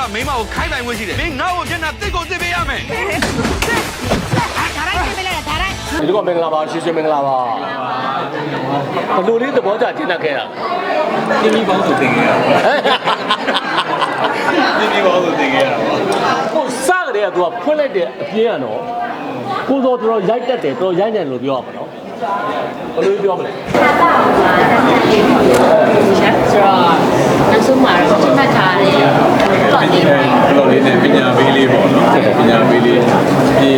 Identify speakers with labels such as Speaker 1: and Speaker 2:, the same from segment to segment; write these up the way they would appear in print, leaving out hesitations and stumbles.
Speaker 1: မိမကိုခိုင်းပိုင်ဝင်ရှိတယ်မင်းငါ့ကိုမျက်နှာတစ်ကိုတစ်ပေးရမယ်
Speaker 2: ဒါရိုက်ပြင်ပေးလိုက်တာဒါရိုက်
Speaker 3: ဒီကမင်္ဂလာပါရှိမင်္ဂလာပါဘလို့လေးသဘောကျကျင်းတတ်ခဲ့ရ
Speaker 4: ပြင်းပြီးပေါင်းစုတင်ခဲ့ရပါပြင်းပြီးပေါင်းစုတင်ခဲ့ရပါ
Speaker 3: ကိုစကြတဲ့ကသူကဖွင့်လိုက်တဲ့အပြင်းကတော့ကိုစောတော်ရိုက်တတ်တယ်တော်ရိုက်တယ်လို့ပြောရမှာနော်ဘလို့ပြောမလဲ
Speaker 2: ဆိုတော့နောက်ဆုံးမှာတော့မှတ်ထားတယ်
Speaker 4: လော်လေးနဲ့ပညာပေးလေးပေါ့နော်ပညာပေးလေးဒီ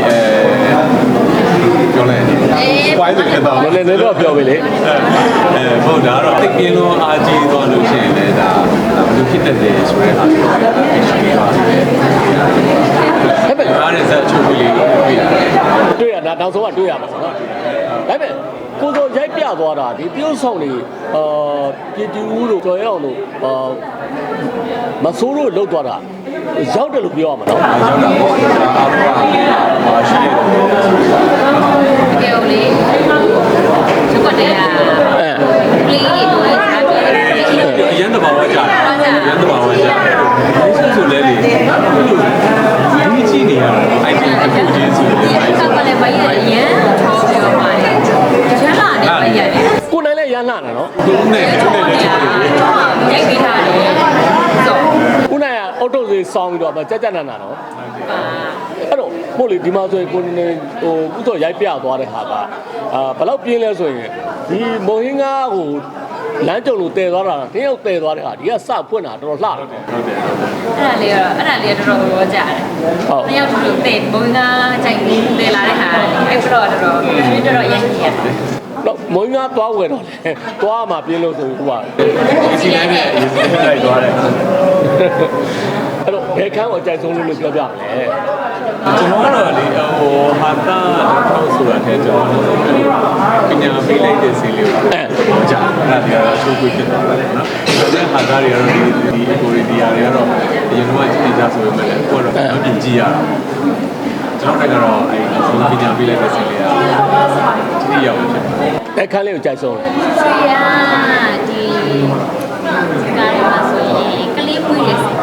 Speaker 4: ပြောလိုက်ဝိုင်းတယ်တော့
Speaker 3: လည်းလည်းတော့ပြောပြီလေ
Speaker 4: ဟုတ်ဒါတော့တိတ်ပြင်းလုံးအားကြီးသွားလို့ရှိရင်လည်းဒါဘယ်လိုဖြစ်တတ်တယ်ဆိုတဲ့အားကိုသိရှိရပါတယ်ဟဲ့ဗျာအဲ့ဒါဇက်ချုပ်ပြီး
Speaker 3: တွေ့ရတာနောက်ဆုံးကတွေ့ရမှာနော်ဒါပေမဲ့ကိုစောရိုက်ပြသွားတာဒီပြုတ်ဆောင်နေပြည်တူဦးတို့ကျော်ရအောင်တို့မဆိုးလို့လှုပ်သွားတာရောက်တယ်လို့ပြောရမှာနော်
Speaker 4: ရောက်တာပေါ့အားလုံးကရှိတယ်
Speaker 2: ကဲလေချက်ကွက်တယ်ပလီရေတို့လည်းထားတယ်
Speaker 4: အရန်တဘာဝကြာတယ်အရန်တဘာဝကြာတယ်ဒီဆိုလဲလေဒီကြည့်နေရတာအိုက်တင်တစ်ခုချင်းဆို
Speaker 2: တယ်အဲ့ဒါကလည်းမရရန်ထောက်ပြောပါတယ်ရန်လာတယ်မရတယ်
Speaker 3: ကိုနိုင်လည်းရန်လာတယ်နော်
Speaker 4: သူနဲ့လည်းချုပ်တယ်
Speaker 2: ရိုက်ပေးထားတယ်ဆို
Speaker 3: ကိုနိုင်ကအော်တိုစီဆောင်းပြီးတော့ကြက်ကြက်နာနာနော်အဲ့တော့ပို့လေဒီမှာဆိုရင်ကိုနေဟိုကုသောရိုက်ပြသွားတဲ့ဟာကဘယ်တော့ပြင်းလဲဆိုရင်ဒီမုံဟင်းကားကိုလမ်းကြုံလို့တည်သွားတာတယောက်တည်သွားတဲ့ဟာဒီကစဖွင့်တာတော်တော်လှတယ်
Speaker 4: ဟုတ်တယ်
Speaker 2: အဲ့ဒါလေးတော်တော်ကြာတယ်ဟုတ်တယောက်တူတည်ဘုံကကြိုက်နေတည်လာတဲ့ဟာအဲ့တော့တော်တော်ရိုက်နေရတယ်
Speaker 3: တော့မုံငါသွားဝယ်တော့လေသွားမှပြင်းလို့ဆိုပြီးဟိုက
Speaker 4: ဒီစီတိုင်းနဲ့ရေးစီလိုက်သွားတယ်
Speaker 3: အဲ့တော့ဘယ်ခန်းကိုအကြိုက်ဆုံးလို့ပြောပြမလဲ
Speaker 4: ကျွန်တော်ကတော့လေဟိုဟာတာထောက်ဆိုတာတဲ့ကျွန်တော်ပညာပေးလိုက်တဲ့စီလေးကိုဟောကြားအဲ့ဒါတွေကတော့ချိုးခွေးဖြစ်သွားတယ်နော်ဒါနဲ့ဟာတာတွေကတော့ဒီအကိုရီဒီယာတွေကတော့အရင်ကကြည့်နေကြဆိုပေမဲ့လည်းကိုတော့အပြင်ကြည့်ရတာကျွန်တော်ကတော့အဲ့ပညာပေးလိုက်တဲ့စီလေးကဒီရောက်ဖြစ်
Speaker 3: တယ်ခန်းလေးကိုကြိုက်ဆုံး
Speaker 2: ဆွေရဒီကားရမှာဆိုရင်ကလေးပွေးရစီ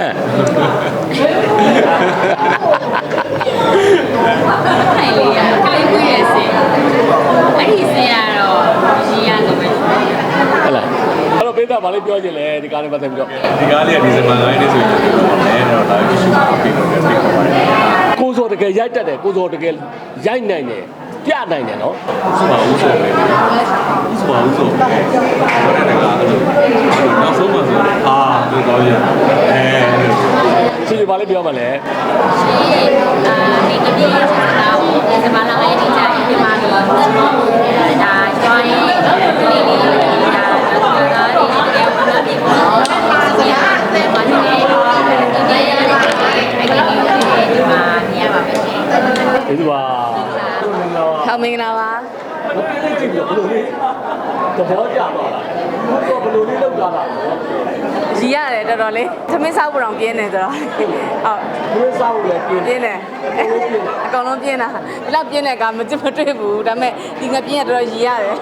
Speaker 2: အဲ့လေကလေးပွေးရစီအဲ့ဒီစီရတော့ရီရတော့ပဲ
Speaker 3: ဟုတ်လားအဲ့တော့ပေးတာဗာလေးပြောချင်လဲဒီကားလေးပတ်သက်ပြီးတော့
Speaker 4: ဒီကားလေးကဒီဇင်ဘာ9ရက်နေ့ဆိုရင်ပြောပါမယ်တော့လာပြီးရှုပ်ပြီးတော့ဖိတ်ခေါ်ပါတယ်
Speaker 3: ကိုစောတကယ်ရိုက်တတ်တယ်ကိုစောတကယ်ရိုက်နိုင်တယ်ပြနိုင်တယ်နော်
Speaker 4: ဆိုပါဦးဆိုပဲဆိုပါဦးဆိုဘာလဲကနောက်ဆုံးမှဆိုအာလို့တော့ရ
Speaker 3: စီဘာလေးပြောမှလဲ
Speaker 2: ဒီကနေ့ဆိုတာဒီစမလာရဲ့ဒီကြိုင်ဒီမှာတော့ဒါကျွမ်းရင်ဒီလေးလေးဒါတော့ဒီကဘာဒီပေါ်စီရတယ်ဘာနေလဲဒီနေ့ရတယ်ဒီမှာနေရပါမယ်
Speaker 3: ဒီပါ
Speaker 2: ဟောမင်္ဂလာပါ
Speaker 3: မပြည့်ကြည့်ပြီးဘလို့လေးသဘောကျသွားတာဘလို့လေးလောက်လာတာ
Speaker 2: ရီရတယ်တော်တော်လေးသမင်းစားဖို့တောင်ပြင်းနေဆိုတော့ဟုတ်
Speaker 3: သမင်းစားဖို့လည်းပြင်း
Speaker 2: တယ်အကောင်လုံးပြင်းတာဒီလောက်ပြင်းတဲ့ကမတွေ့ဘူးဒါပေမဲ့ဒီငပြင်းရတော်တော်ရီရတယ်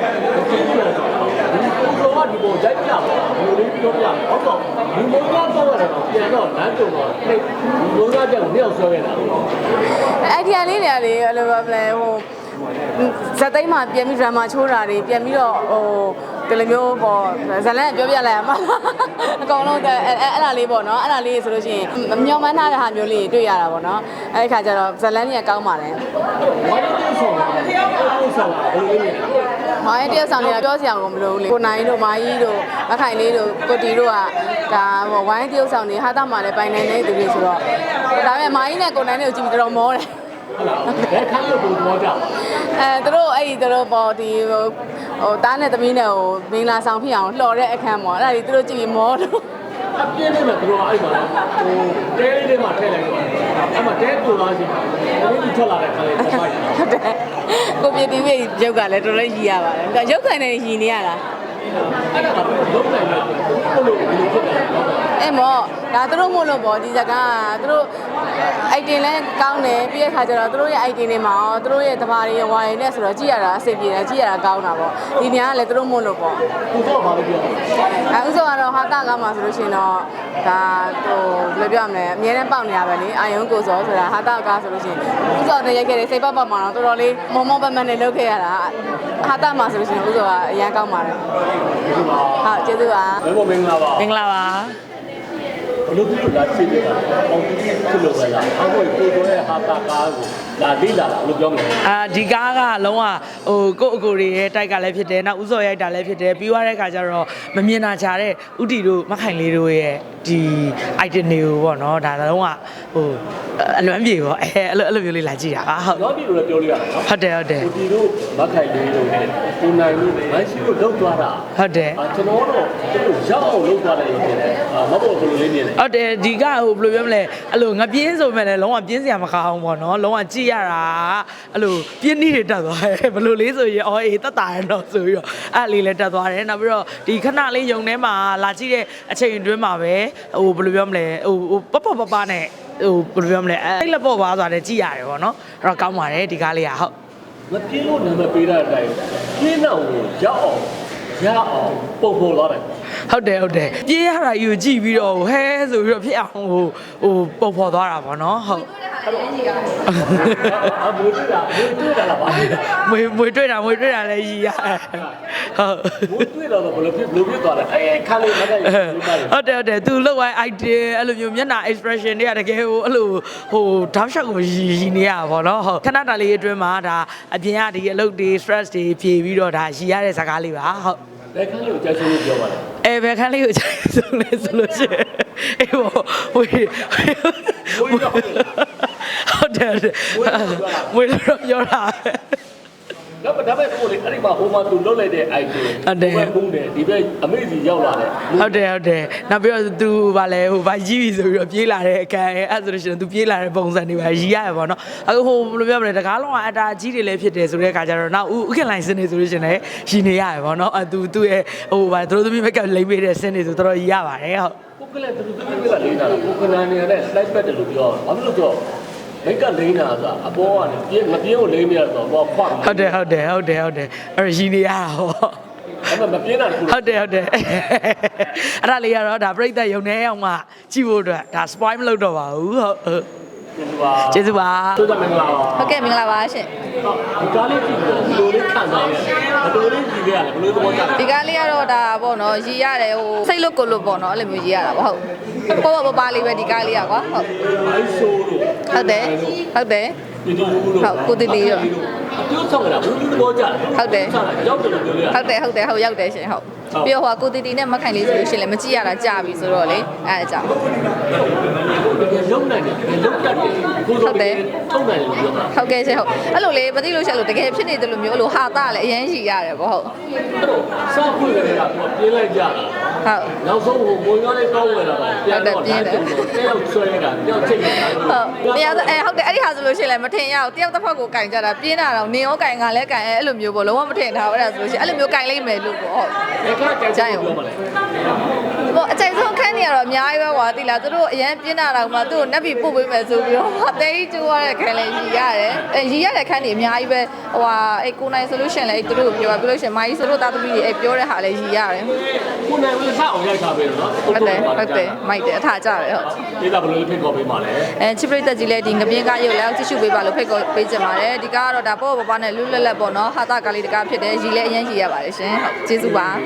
Speaker 3: ဘောကဒီပေါ်ရိုက်ပြပါဘလို့လေးပြောပြဟုတ်တော့ဒီမောကတော့ပြန်တော့လမ်းကြုံတော့ဒီမောကကြောင့်နှစ်ယောက်ဆွဲခဲ့တာ
Speaker 2: အဲ့ဒီအလေးတွေလေအဲ့လိုပဲဟိုဇက်သိမ်းမှာပြန်ပြီး drama ချိုးတာတွေပြန်ပြီးတော့ဟိုဒီလိုမျိုးပေါ့ဇလန်ပြောပြလိုက်ရမှာအကောင်လုံးအဲ့ဒါလေးပေါ့နော်အဲ့ဒါလေးဆိုလို့ရှိရင်မမျောမှန်းထားတဲ့ဟာမျိုးလေးတွေ့ရတာပေါ့နော်အဲ့ဒီခါကျတော့ဇလန်ကြီးကကောင်းပါလေ
Speaker 3: ဘာလို့တင်းဆောင်လဲတင်းဆောင်တာဘယ်လိုလဲ
Speaker 2: မိုင်းတယောက်ဆောင်နေတာပြောစရာကိုမလိုဘူးလေကိုနိုင်တို့မာကြီးတို့မခိုင်လေးတို့ကိုတီတို့ကဒါဟိုဝိုင်းတယောက်ဆောင်နေဟာတာမှလည်းပိုင်နိုင်နေသူတွေဆိုတော့ဒါပေမဲ့မာကြီးနဲ့ကိုနိုင်လေးကိုကြည့်ပြီးတော်မောတယ်
Speaker 3: ဟုတ်လားဘယ်ခန်းလို့ပုံတော့ကြ
Speaker 2: သူတို့အဲ့ဒီသူတို့ပေါ့ဒီဟိုတားနဲ့သမီးနဲ့ဟိုမင်္ဂလာဆောင်ဖြစ်အောင်လှော်တဲ့အခန်းပေါ့အဲ့ဒါကြီးသူတို့ကြည့်ပြီးမောတော့
Speaker 3: အပြင်းနေမှာသူတို့အဲ့မှာဟိုတဲလေးတွေမှာထည့်လိုက်တော့အဲ့မှာတဲတူသွားစီဘယ်လိုထွက်လာတဲ့ခါလေးပတ်ပါ့
Speaker 2: ဟုတ်တယ်ကိုပြတီးရဲ့ရုပ်ကလည်းတော်တော်ရည်ရပါတယ်ရုပ်ခံနေရည်နေရတာ
Speaker 3: အဲ့ဒါကလုံးနိုင်တယ်ဘယ်လိုဖြစ်လဲ
Speaker 2: အဲ့မောဒါသူတို့မို့လို့ပေါ့ဒီဇာတ်ကားသူတို့
Speaker 5: item လဲကောင်းတယ်ပြီးတဲ့ခါကျတော့သူတို့ရဲ့ item တွေမှာရောသူတို့ရဲ့တဘာတွေဝိုင်းနဲ့ဆိုတော့ကြည့်ရတာအဆင်ပြေတယ်ကြည့်ရတာကောင်းတာပေါ့ဒီနေရာကလည်းသူတို့မို့လို့ပေါ့
Speaker 3: ကိုတော့ဘာလို့ပြောလဲ
Speaker 5: ဥစ္စာကတော့ဟာတာကားမှာဆိုလို့ရှိရင်တော့ဒါဟိုဘယ်လိုပြောရမလဲအများနဲ့ပေါက်နေရပဲလေအာယုံကိုစောဆိုတာဟာတာကားဆိုလို့ရှိရင်ဥစ္စာနဲ့ရိုက်ခဲ့တယ်စိတ်ပတ်ပတ်မှာတော့တော်တော်လေးမုံမုံပတ်ပတ်နဲ့လုပ်ခဲ့ရတာဟာတာမှာဆိုလို့ရှိရင်ဥစ္စာကအရန်ကောင်းပါတယ်ဟုတ်ကျေးဇူးပါ
Speaker 3: ဘယ်လိုမင်္ဂလာပါ
Speaker 6: မင်္ဂလာပါ
Speaker 3: ဘလို့ပြုလာဖြစ်နေတာပေါင်းတိဖြစ်လို့ပဲလားအခုကိုတို့ရဲ့ဟာတာကားကိုလာလိလာတာဘလို့ပြောမလဲ
Speaker 6: ဒီကားကလုံးဝဟိုကိုယ့်အကိုတွေရဲ့တိုက်ကလည်းဖြစ်တယ်နောက်ဥစော်ရိုက်တာလည်းဖြစ်တယ်ပြီးသွားတဲ့အခါကျတော့မမြင်တာချာတဲ့ဥတီတို့မခိုင်လေးတို့ရဲ့ဒီ item တွေကိုပေါ့နော်ဒါလုံးဝဟိုအလွမ်းပြေပေါ့အဲ့လိုမျိုးလေးလာကြည့်တာပါဟုတ်
Speaker 3: ရောပြီလို့လည်းပြောလို့ရတယ်နော်
Speaker 6: ဟုတ်တယ်ဟုတ်တယ်
Speaker 3: ကိုတီတို့မခိုင်လေးတို့နဲ့ကိုနိုင်တို့မန်ရှိတို့လောက်သွားတာ
Speaker 6: ဟုတ်တယ်
Speaker 3: ကျွန်တော်တော့သူတို့ရောက်အောင်လုပ်သွားတယ်လို့ပြောတယ်မဟုတ်ဘူးဘယ်လိုလေးနေလဲ
Speaker 6: ဟုတ်တယ်ဒီကဟိုဘယ်လိုပြောမလဲအဲ့လိုငပြင်းဆိုမဲ့လည်းလုံးဝပြင်းစရာမကောင်းဘူးပေါ့နော်လုံးဝကြည့်ရတာအဲ့လိုပြင်းနှီးတွေတက်သွားတယ်ဘယ်လိုလေးဆိုရင်အော်အေးတက်တာရတော့ဆိုပြီးတော့အဲ့လေးလည်းတက်သွားတယ်နောက်ပြီးတော့ဒီခဏလေးယုံထဲမှာလာကြည့်တဲ့အချိန်အတွင်းမှာပဲဟိုဘယ်လိုပြောမလဲဟိုပပနဲ့ဟိုဘယ်လိုပြောမလဲအဲ့လက်ပေါ့ပါဆိုတာလည်းကြည့်ရတယ်ပေါ့နော်အဲ့တော့ကောင်းပါတယ်ဒီကားလေးကဟုတ်
Speaker 3: မပြင်းလို့နာမည်ပေးတဲ့အတိုင်းပြင်းတော့ကိုရောက်အောင်ရအောင်ပုံပေါ်လာတယ်
Speaker 6: ဟုတ်တယ်ပြေးရတာယူကြည့်ပြီးတော့ဟဲဆိုပြီးတော့ဖြစ်အောင်ဟိုပုံဖော်သွားတာပေါ့နော်ဟုတ်
Speaker 3: အမွေတွေ့တာလားပါလေ
Speaker 6: မွေတွေ့တာလည်းရည်ရတယ်ဟုတ်
Speaker 3: မွေတွေ့တော့ဘယ်လိုဖြစ်သွားလဲအဲ့ခါလေးမကရဘူးပါတယ်
Speaker 6: ဟုတ်တယ်သူလောက်ဝိုင်း idea အဲ့လိုမျိုးမျက်နှာ expression တွေကတကယ်ဟိုအဲ့လိုဟိုတောက်လျှောက်ကိုရည်နေရပါတော့ဟုတ်ခဏတာလေးအတွင်းမှာဒါအပြင်ကဒီအလုပ်တွေ stress တွေဖြေပြီးတော့ဒါရည်ရတဲ့ဇာတ်ကားလေးပါဟုတ်
Speaker 3: ဘယ်ခန်းလေးကိုကြိုက်ဆုံးလို့ပြောပါလဲ
Speaker 6: ဘယ်ခန်းလေးကိုကြိုက်ဆုံးလဲဆိုလို့ရှိရင်အေးဘောဝေးဟုတ်တယ်ဝေးတော့ပြောတာ
Speaker 3: တော့ဒါပဲကိုလေအဲ့ဒီမှာဟိုမှာသူလွတ်လိုက်တဲ့ idea ဘုံတယ်ဒီဘက်အမေစီရောက်လာတယ်
Speaker 6: ဟုတ်တယ်နောက်ပြီးတော့ तू ဗာလဲဟိုဗာရီးပြီဆိုပြီးတော့ပြေးလာတဲ့အကန်အဲ့ဆိုလို့ရှိရင် तू ပြေးလာတဲ့ပုံစံတွေပါရီးရတယ်ပေါ့နော်အခုဟိုဘယ်လိုပြောမလဲတကားလုံးကအတားကြီးတွေလည်းဖြစ်တယ်ဆိုတဲ့အခါကျတော့နောက်ဥခင်လိုင်းစင်းနေဆိုလို့ရှိရင်လည်းရီနေရတယ်ပေါ့နော်သူ့ရဲ့ဟိုဗာသူတို့သမီးဘက်ကလိမ့်ပေးတဲ့စင်းတွေဆိုတော်တော်ရီးရပါတယ်ဟုတ်
Speaker 3: ပုဂ္ဂလသူတို့သမီးကလေးတာပုဂ္ဂလနေနဲ့ slide back တယ်လို့ပြောဘာဖြစ်လို့ပြောမိတ်ကလိမ့်တာဆိုတာအပေါ်ကနေပြင်းမပြင်းကိုလိမ့်မရတော့ဘောခွတ်
Speaker 6: ဟုတ်တယ်အဲ့ရီနေရတာဟော
Speaker 3: အဲ့မပြင်းတာကို
Speaker 6: ဟုတ်တယ်အဲ့ဒါလေးကတော့ဒါပြိတ္တယုံနေအောင်မှကြည့်ဖို့အတွက်ဒါ spoil မလုပ်တော့ပါဘူးဟုတ်ကျေးဇူးပါ
Speaker 3: တို့ကမင်္ဂလာပါ
Speaker 5: ဟုတ်ကဲ့မင်္ဂလာပါရှင်
Speaker 3: ဒီကားလေးကြည့်လို့ဘယ်လိုလေးခံစားရလဲဘယ်လိုလေးကြည့်ရလဲဘယ်လိုသဘောကျလဲ
Speaker 5: ဒီကားလေးကတော့ဒါပေါ့နော်ရည်ရတယ်ဟိုစိတ်လို့ကိုလို့ပေါ့နော်အဲ့လိုမျိုးရည်ရတာပေါ့ဟုတ်ပေါ့လေးပဲဒီကားလေးอ่ะကွာဟုတ်
Speaker 3: အိုင်းဆိုးလို့
Speaker 5: ဟုတ်တယ်
Speaker 3: ဒီလိုလို့
Speaker 5: ဟုတ်ကိုတီတီရော
Speaker 3: အကျိုးဆောင်တာဘယ်လိုသဘောကျလဲ
Speaker 5: ဟုတ်တယ်
Speaker 3: ရောက်တယ်လို့ပြောရ
Speaker 5: ဟုတ်ရောက်တယ်ရှင်ဟုတ်ပြီးတော့ဟိုကိုတီတီနဲ့မခိုင်လေးဆိုလို့ရှိရင်လည်းမကြည့်ရတာကြာပြီဆိုတော့လေအဲ့ဒါကြောင့်
Speaker 3: လုံနိုင်တယ်လုံတတ်တယ်ကိုဆိုတယ်ထုံနိုင်တယ်လို့ပြောတာ
Speaker 5: ဟုတ်ကဲ့ရှင်ဟုတ်အဲ့လိုလေမသိလို့ရှိရင်လို့တကယ်ဖြစ်နေတယ်လို့မျိုးအဲ့လိုဟာတာလည်းအရင်ရှိရတယ်ပေါ့ဟုတ်
Speaker 3: အဲ့တော့စောက်ဖွင့်ကြတာကပြင်းလိုက်ကြတာ
Speaker 5: ဟုတ်
Speaker 3: နောက်ဆုံးဟိုမွန်ရောလေးကောင်းဝင်လာတော့ပြန်တော့တယောက်ဆွဲတာတယောက်ချိတ်နေတာ
Speaker 5: ဟုတ်တရားဟုတ်တယ်အဲ့ဒီဟာဆိုလို့ရှိရင်လည်းမထင်ရအောင်တယောက်တစ်ဖက်ကိုကင်ကြတာပြင်းတာတော့နင်ရောကင်ကလည်းကင်အဲ့လိုမျိုးပေါ့လုံးဝမထင်ထားဘူးအဲ့ဒါဆိုလို့ရှိရင်အဲ့လိုမျိုးကင်လိုက်မယ်လို့ပေါ့ဟုတ်
Speaker 3: ဒီကကြိုက်ပြောပါလေ
Speaker 5: ဟိုအကြိုက်ဆုံးခန်းနေရတော့အများကြီးပဲကွာတိလားသူတို့အရန်ပြင်းတာတော့မှသူတို့နက်ပြီးပို့ပေးမယ်ဆိုပြီးတော့အသေးကြီးကျိုးရတဲ့ခန်းလေးရီရတယ်ရီရတဲ့ခန်းနေအများကြီးပဲဟိုဟာအဲ့ကိုနိုင်ဆိုလို့ရှိရင်လည်းသူတို့ပြောပြလို့ရှိရင်မိုင်းဆိုလို့တာသမီးတွေအဲ့ပြောတဲ့ဟာလည်းရီရတယ်
Speaker 3: ကိုနိုင်ဝင်ဆက်အောင်ရိုက်ထားပေးတော့နော်
Speaker 5: ဟုတ်တယ်မိုက်တယ်အထာကြတယ်ဟုတ်
Speaker 3: ဒီကဘယ်လိုဖိတ်ခေါ်ပေးပါလဲ
Speaker 5: ချစ်ပရိသတ်ကြီးလည်းဒီငပြင်းကားရုပ်လည်းကြည့်ရှုပေးပါလို့ဖိတ်ခေါ်ပေးကြပါတယ်ဒီကားကတော့ဒါပေါ့ပပနဲ့လွတ်လပ်ပေါ့နော်ဟာတာကားလေးတကားဖြစ်တယ်ရီလည်းအရင်ရီရပါတယ်ရှင်ဟုတ်ကျေးဇူးပါ